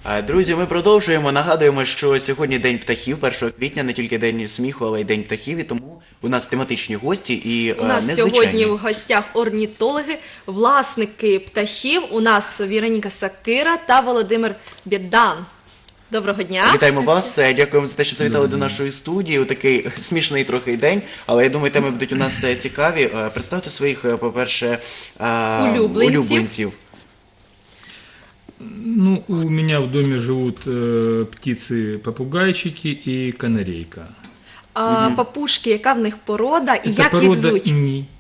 Друзі, ми продовжуємо. Нагадуємо, що сьогодні День птахів, 1 квітня, не тільки День сміху, але й День птахів, і тому у нас тематичні гості і У нас незвичайні. сьогодні в гостях орнітологи, власники птахів. У нас Віроніка Сакира та Володимир Бєдан. Доброго дня. Вітаємо вас, дякуємо за те, що завітали до нашої студії у такий смішний трохи день, але я думаю, теми будуть у нас цікаві. Представте своїх, по-перше, улюбленців. Ну, у меня в доме живут птицы-попугайчики и канарейка. Папушки, яка в них порода і Это як їх порода звуть?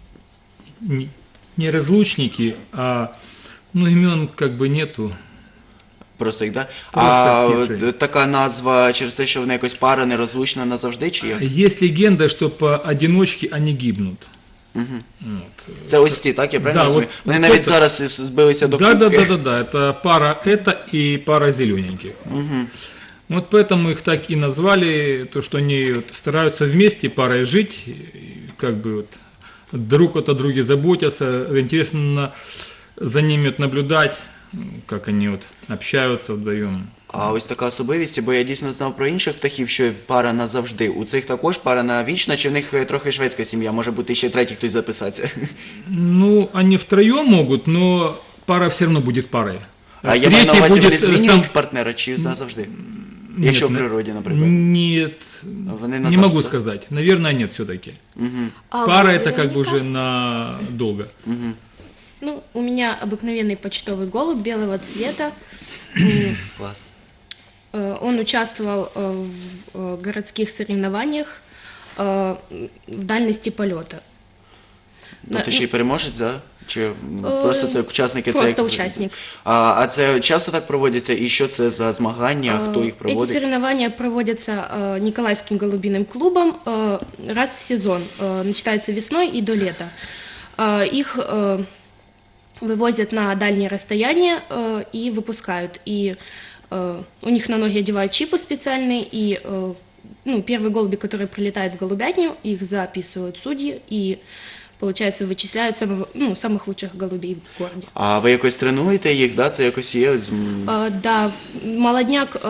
не разлучники, а имен как бы нету. Просто їх, так? Просто птиці. Така назва через те, що вона якось пара нерозлучна назавжди, чи як? Есть легенда, что поодиночке они гибнут. Вот. Це ось ці, так? Я правильно Да, розумію? от Вони навіть це- зараз збилися до Да, кубки. это пара и пара зелененьких. Вот поэтому их так и назвали, то, что они вот стараются вместе парой жить, и как бы вот друг от друга заботятся. Интересно за ними вот наблюдать, как они вот общаются вдвоем. А ось така особливість, бо я дійсно знав про інших птахів, що пара назавжди. У цих також пара навічна, чи в них трохи шведська сім'я, може бути ще третій хтось записатися? Ну, они втроем могут, но пара все равно будет парой. А я маю на Третий увазі, вони будет змінюють партнера, чи назавжди? Якщо в природі, наприклад. Нет, Вони не назавжди, могу так? сказать. Наверное, нет все-таки. А Пара ви, это как бы Вероніка? уже надолго. Ну, у меня обыкновенный почтовый голубь белого цвета. Клас. Он участвовал в городских соревнованиях в дальности полета. Тобто ще й переможець, так? Чи просто це учасники? Просто це як- учасник. А це часто так проводиться? І що це за змагання? Хто їх Эти проводить? соревнования проводятся Николаевским голубиным клубом раз в сезон. Начинается весной и до лета. Их вывозят на дальние расстояния и выпускают. И у них на ноги одевают чипы специальные, и первые голуби, которые прилетают в голубятню, их записывают судьи и, получается, вычисляют самых лучших голубей в городе. А ви якось тренуєте їх, да? Це якось є? Да, молодняк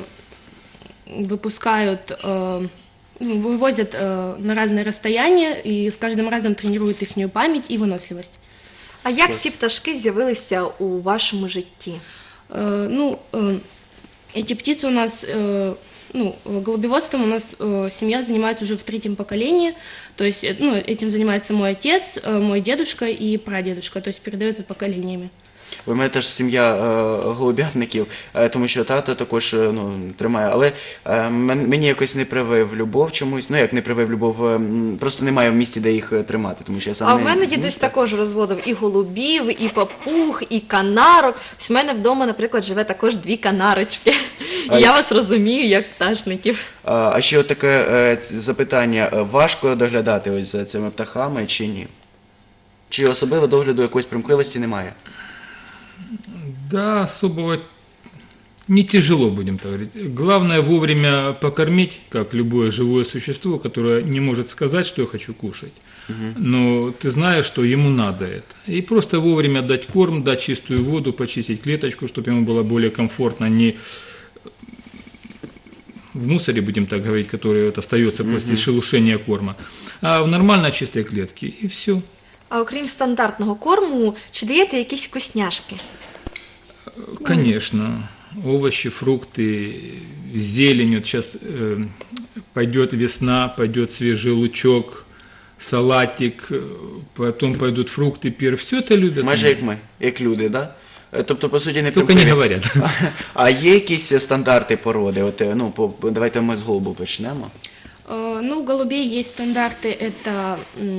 выпускают, вывозят на разные расстояния и с каждым разом тренируют их память и выносливость. А як ці пташки з'явилися у вашому житті? Эти птицы у нас, голубеводством у нас семья занимается уже в 3-м поколении, то есть, этим занимается мой отец, мой дедушка и прадедушка, то есть передается поколениями. У мене теж сім'я голубятників, тому що тато також тримає, але мені якось не привив любов чомусь, як не привив любов, просто немає в місті, де їх тримати, тому що я сам А не в мене з дідусь міста. також розводив і голубів, і папуг, і канарок. Ось в мене вдома, наприклад, живе також 2 канарочки. І я вас розумію, як пташників. А ще от таке запитання, важко доглядати ось за цими птахами чи ні? Чи особливо догляду якоїсь примхливості немає? Да, особого не тяжело, будем так говорить. Главное вовремя покормить, как любое живое существо, которое не может сказать, что я хочу кушать. Но ты знаешь, что ему надо это. И просто вовремя дать корм, дать чистую воду, почистить клеточку, чтобы ему было более комфортно, не в мусоре, будем так говорить, который вот остается после шелушения корма, а в нормально чистой клетке, и все. А окрім стандартного корму, чи даєте якісь вкусняшки? Конечно, овощи, фрукты, зелень. Вот сейчас пойдет весна, пойдет свежий лучок, салатик, потом пойдут фрукты, все это любят. Майже як ми, як люди, так? Да? Тобто, по суті, не Только не примхливі. говорят. А є якісь стандарти породи? От, давайте ми з голубу почнемо. У голубей есть стандарты, это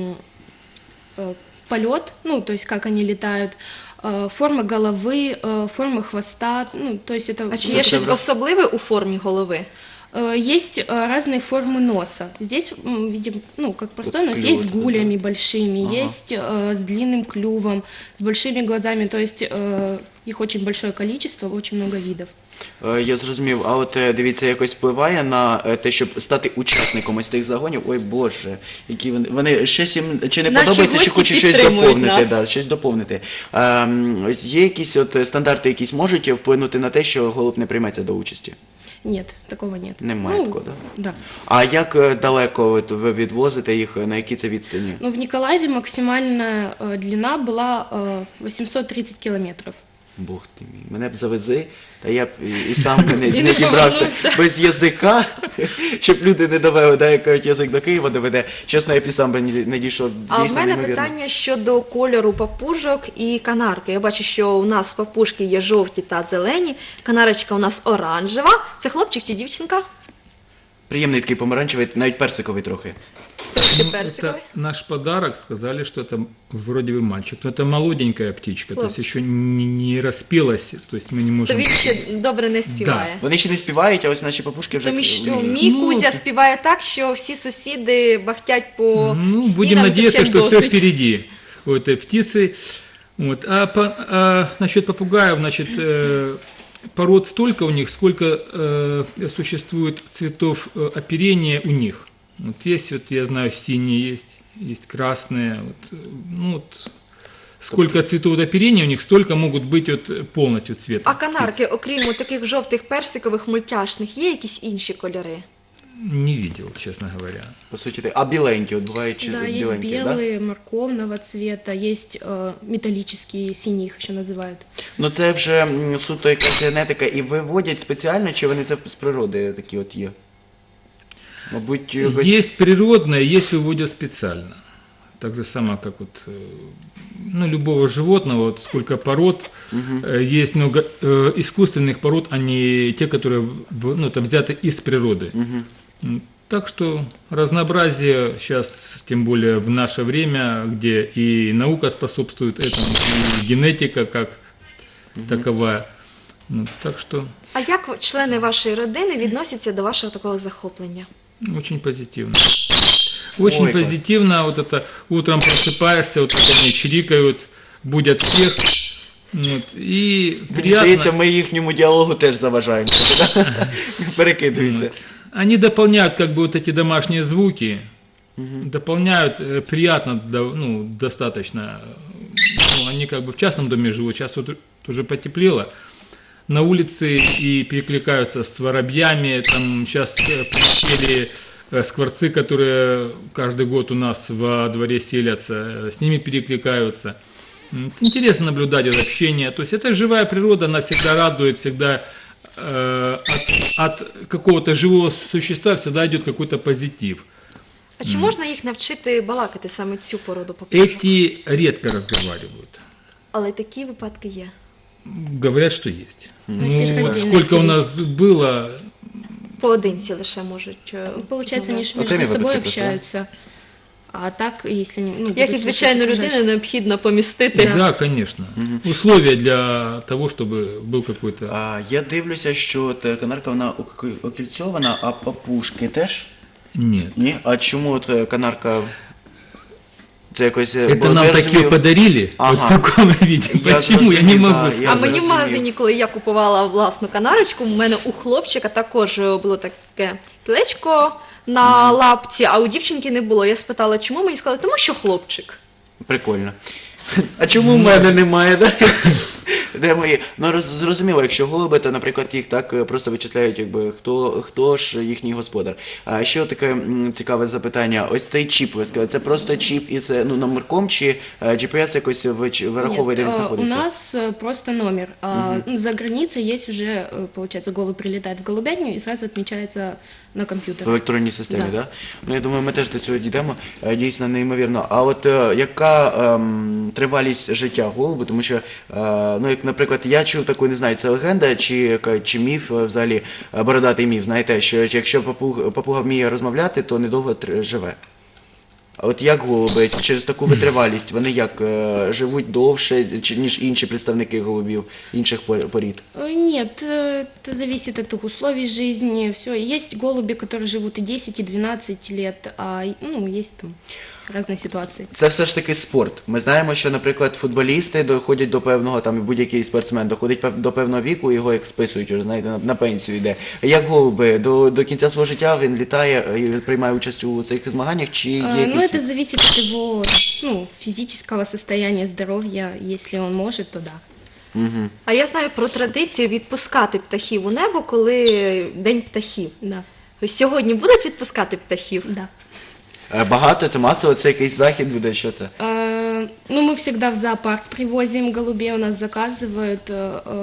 полет, то есть как они летают, форма головы, форма хвоста, то есть это... А чи є щось особливе у формі голови? Есть разные формы носа. Здесь видим, как простой нос, Клюв, есть с да. гулями большими, есть с длинным клювом, с большими глазами, то есть их очень большое количество, очень много видов. Я зрозумів. А от дивіться, якось впливає на те, щоб стати учасником ось цих загонів. Ой Боже, які вони щось їм чи не Наші подобається, чи гості хочуть щось підтримують доповнити. нас. Да, щось доповнити. Є якісь от стандарти, якісь можуть вплинути на те, що голуб не прийметься до участі? Нет, такого нет. Немає такого, да? Да. А як далеко от ви відвозите їх, на які це відстані? Ну, в Николаеве максимальная длина была 830 километров. Бог ти мій, мене б завези, та я б і сам не І не дібрався повернувся. без язика, щоб люди не довели, да, як кажуть, язик до Києва доведе. Чесно, я б і сам би не дійшов. А в Дійсно, мене неймовірно. питання щодо кольору папужок і канарки. Я бачу, що у нас папушки є жовті та зелені, канарочка у нас оранжева. Це хлопчик чи дівчинка? Приємний такий помаранчевий, навіть персиковий трохи. Трошки Это персиковий. наш подарок, сказали, что это вроде бы мальчик, но это молоденькая птичка, то есть Хлопчик. еще не распелась, то есть мы не То можем... він ще добре не співає. Вони ще не співають, а ось наші папушки вже Тому що вміють. мій Ну, Кузя ти- співає так, що всі сусіди бахтять по Ну, будем стінам, надеяться, кричать что все досить. впереди у этой птицы. Вот. А насчет попугаев, значит, пород столько у них, сколько существует цветов оперения у них. Вот есть, вот я знаю, синие есть красные. Вот, ну, вот, сколько цветов оперения у них, столько могут быть вот полностью цвета. А канарки, окрім таких жовтих персикових мультяшних, є якісь інші кольори? Не видел, честно говоря. По суті, а біленькі, от бувають чи Да, есть біленькі, да? белые, морковного цвета, есть металлические, синие их еще называют. Ну це вже суто якась генетика, і виводять спеціально, чи вони це з природи такі от є? Мабуть, якось... Есть природное, есть выводят специально. Так же само, как вот, ну, любого животного, вот сколько пород, есть много искусственных пород, а не те, которые ну, это взяты из природы. Так что разнообразие сейчас, тем более в наше время, где и наука способствует этому, и генетика как таковая. Ну, так что А як члени вашої родини відносяться до вашого такого захоплення? очень позитивно. Очень Ой, класс. позитивно. Вот это утром просыпаешься, вот как они чирикают, будят всех. Вот, и Мені приятно. здається, ми їхньому діалогу теж заважаємо. Перекидуються. Они дополняют как бы вот эти домашние звуки, дополняют приятно, ну, достаточно. Ну, они как бы в частном доме живут, сейчас вот уже потеплело. На улице и перекликаются с воробьями. Там сейчас прилетели скворцы, которые каждый год у нас во дворе селятся, с ними перекликаются. Интересно наблюдать это общение. То есть это живая природа, она всегда радует, всегда от какого-то живого существа всегда идет какой-то позитив. А чи можна їх навчити балакати саме цю породу папушок? Эти редко разговаривают. Але такі випадки є. Говорят, что есть. есть Ну, раздельная сколько у семья. нас было, Поодинці лише можуть. Получается, они ж Окремі между собой випадки просто, да? общаются. А так, если не... Ну, Як і будут звичайну слушать людину окружающих. необхідно помістити. да, конечно. Условия для того, чтобы был какой-то... Я дивлюся, що от канарка вона окільцьована, а папушки теж? Нет. Ні? А чому от канарка... Це якось... Это бо нам я такие розумію- подарили, Ага. вот в таком виде. Я Почему? Я не зрозумів, могу да, сказать. я А мені в зрозумів. магазині, коли я купувала власну канарочку, у мене у хлопчика також було таке кілечко на лапці, а у дівчинки не було. Я спитала, чому? Мені сказали, тому що хлопчик. Прикольно. А чому в мене немає, да? Де мої? Ну, зрозуміло, якщо голуби, то, наприклад, їх так просто вичисляють, якби, хто ж їхній господар. А ще таке цікаве запитання. Ось цей чіп, ви сказали, це просто чіп із номерком, чи GPS якось вираховує, де він Нет, у знаходиться? нас просто номер. Ну, за границей есть уже, получается, голубь прилетает в голубятню и сразу отмечается на компьютер. В електронній системі, так? Да. Да? Ну, я думаю, ми теж до цього дійдемо. Дійсно, неймовірно. А от яка тривалість життя голуби? Тому що, ну, як, наприклад, я чув таку, не знаю, це легенда чи міф взагалі, бородатий міф, знаєте, що якщо папуга вміє розмовляти, то недовго живе. А от як голуби, через таку витривалість, вони як живуть довше, ніж інші представники голубів, інших порід? Нет, это зависит от их условий жизни, все. Есть голуби, которые живут и 10, и 12 лет, а ну, есть там разные ситуации. Це все ж таки спорт. Ми знаємо, що, наприклад, футболісти доходять до певного, там і будь-який спортсмен доходить до певного віку, його як списують, вже, знаєте, на пенсію йде. Як голуби, до кінця свого життя він літає і приймає участь у цих змаганнях, чи є Ну, якісь... это зависит от его физического состояния, здоровья. Если он может, то да. А я знаю про традицію відпускати птахів у небо, коли День птахів. Да, Ось сьогодні будуть відпускати птахів? да. Багато, це масово, це якийсь захід буде, що це? Ну, мы всегда в зоопарк привозим голубей, у нас заказывают.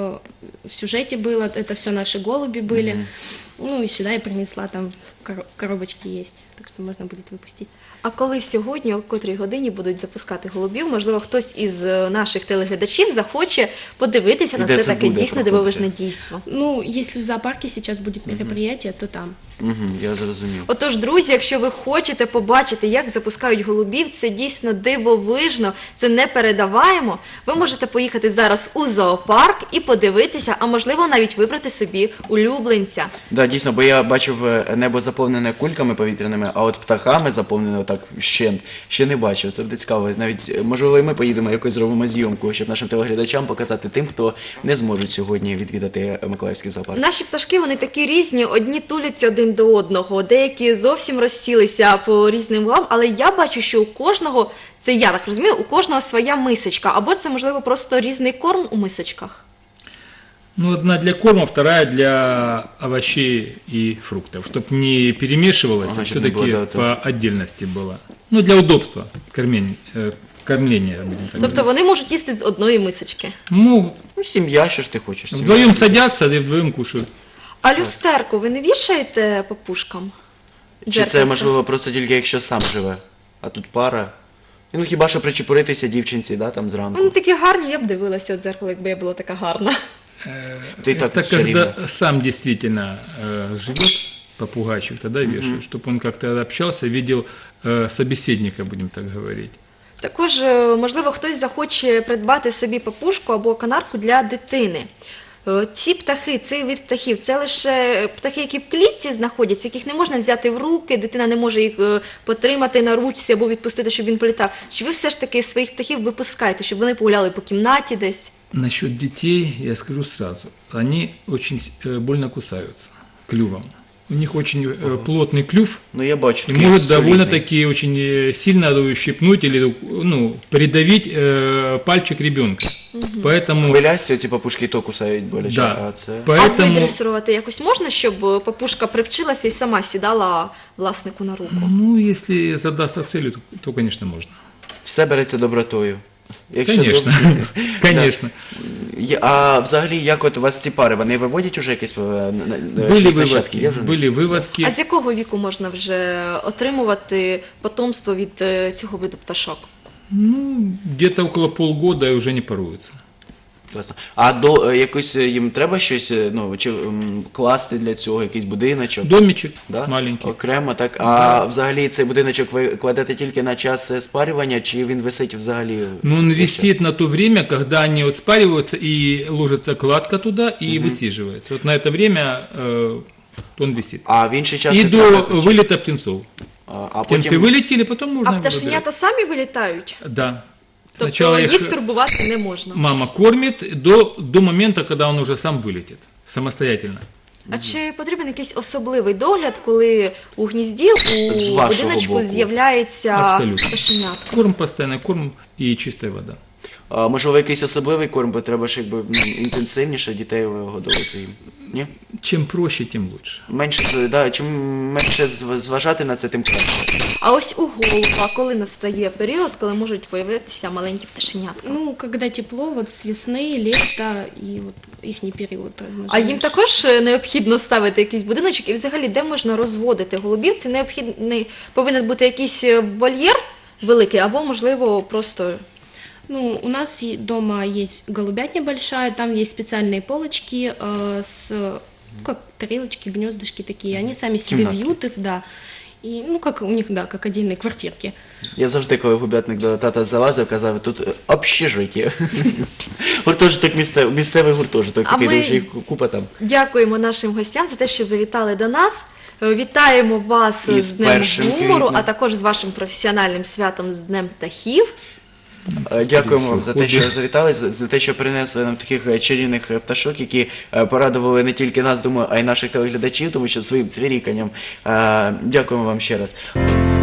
В сюжете было, это все наши голуби были. Ну, и сюда я принесла, там в коробочке есть, так что можно будет выпустить. А коли сьогодні, о котрій годині будуть запускати голубів, можливо, хтось із наших телеглядачів захоче подивитися І на де це це таке буде дійсно проходити? дивовижне дійство. Ну, если в зоопарке сейчас будет мероприятие, то там. Я зрозумів. Отож, друзі, якщо ви хочете побачити, як запускають голубів, це дійсно дивовижно, це непередаваємо. Ви можете поїхати зараз у зоопарк і подивитися, а можливо навіть вибрати собі улюбленця. Да, дійсно, бо я бачив небо заповнене кульками повітряними, а от птахами заповнене так ще не бачив. Це буде цікаво. Навіть, можливо, і ми поїдемо, якось зробимо зйомку, щоб нашим телеглядачам показати тим, хто не зможуть сьогодні відвідати Миколаївський зоопарк. Наші пташки, вони такі різні, одні туляться один до одного, деякі зовсім розсілися по різним углам, але я бачу, що у кожного, це я так розумію, у кожного своя мисочка, або це, можливо, просто різний корм у мисочках. Ну, одна для корма, вторая для овощей и фруктов, чтобы не перемешивалось, Ага, а чтоб не все-таки было, да, по отдельности было. Ну, для удобства кормления, будем так Тобто говорить. вони можуть їсти з одної мисочки. Ну, Ну, сім'я, що ж ти хочеш? Сім'я. вдвоем садятся, и вдвоем кушают. А люстерку ви не вішаєте папушкам? Чи це, Дзеркальце? можливо, просто тільки якщо сам живе, а тут пара? Ну, хіба що причепуритися дівчинці, да, там зранку. Вони такі гарні, я б дивилася в дзеркало, якби я була така гарна. Ти і так Это чарівна. когда сам действительно живет, попугайчик, тогда вешаю, чтобы он как-то общался, видел собеседника, будем так говорить. Також, можливо, хтось захоче придбати собі папушку або канарку для дитини. Ці птахи, цей вид птахів, це лише птахи, які в клітці знаходяться, яких не можна взяти в руки, дитина не може їх потримати на ручці або відпустити, щоб він політав. Чи ви все ж таки своїх птахів випускаєте, щоб вони погуляли по кімнаті десь? Насчет детей я скажу сразу. Они очень больно кусаются клювом. У них очень плотный клюв, Ну, я бачу. и такий может солідний. довольно-таки очень сильно ущипнуть или придавить пальчик ребенка. Поэтому, Хвилясті оці папушки і то кусають боляче, да, а це... А поэтому видресувати якось можна, щоб папушка привчилася і сама сідала власнику на руку? ну, если задастся целью, то, конечно, можно. Все береться добротою. Конечно, конечно. А взагалі, як от у вас ці пари, вони виводять уже якісь Были нащадки? Є выводки, вже? были выводки. А з якого віку можна вже отримувати потомство від цього виду пташок? Ну, где-то около полгода и уже не поруются. Класно. А до якось їм треба щось, ну, чи класти для цього, якийсь будиночок? Домичек Да? маленький. Окремо, так. А взагалі цей будиночок ви кладете тільки на час спарювання, чи він висить взагалі? Но он весь висит на то время, когда они вот спариваются и ложится кладка туда и высиживается. Вот на это время он висит. А в інший час И не до треба якось? вылета птенцов. А Птенцы потім... вылетели, потом можно А его пташенята самі вилітають? забирать. Да. Тобто Сначала їх турбувати не можна. мама кормит до момента, когда он уже сам вылетит самостоятельно. А чи потрібен якийсь особливий догляд, коли у гнізді, З у вашого будиночку боку. з'являється Абсолютно. пташенятка? Корм постоянно, корм и чистая вода. А, можливо, якийсь особливий корм, бо треба ж якби інтенсивніше дітей годувати їм. Ні? Чем проще, тем лучше. Менше, да, чим менше зважати на це, тим краще. А ось у голуба, коли настає період, коли можуть появитися маленькі пташенятка? Ну, когда тепло, вот с весны, лета и вот ихний период размножения. А їм також необхідно ставити якийсь будиночок, і взагалі де можна розводити голубів? Це необхідний повинен бути якийсь вольєр великий, або можливо просто. Ну, у нас дома есть голубятня большая, там есть специальные полочки как тарелочки, гнездышки такие. Они сами себе Кімнатки. вьют их, да. И, ну, как у них, да, как отдельные квартирки. Я завжди, коли губятник до тата залазив, казав, тут общежиття. Гуртожиток місцевий гуртожиток, А такий, ми- тому що їх купа там. Дякуємо нашим гостям за те, що завітали до нас. Вітаємо вас І з з Днем 1 гумору, квітня. а також з вашим професіональним святом з Днем птахів. Дякуємо вам за те, що хобі. завітали, за те, що принесли нам таких чарівних пташок, які порадували не тільки нас, думаю, а й наших телеглядачів, тому що своїм цвіріканням. Дякуємо вам ще раз.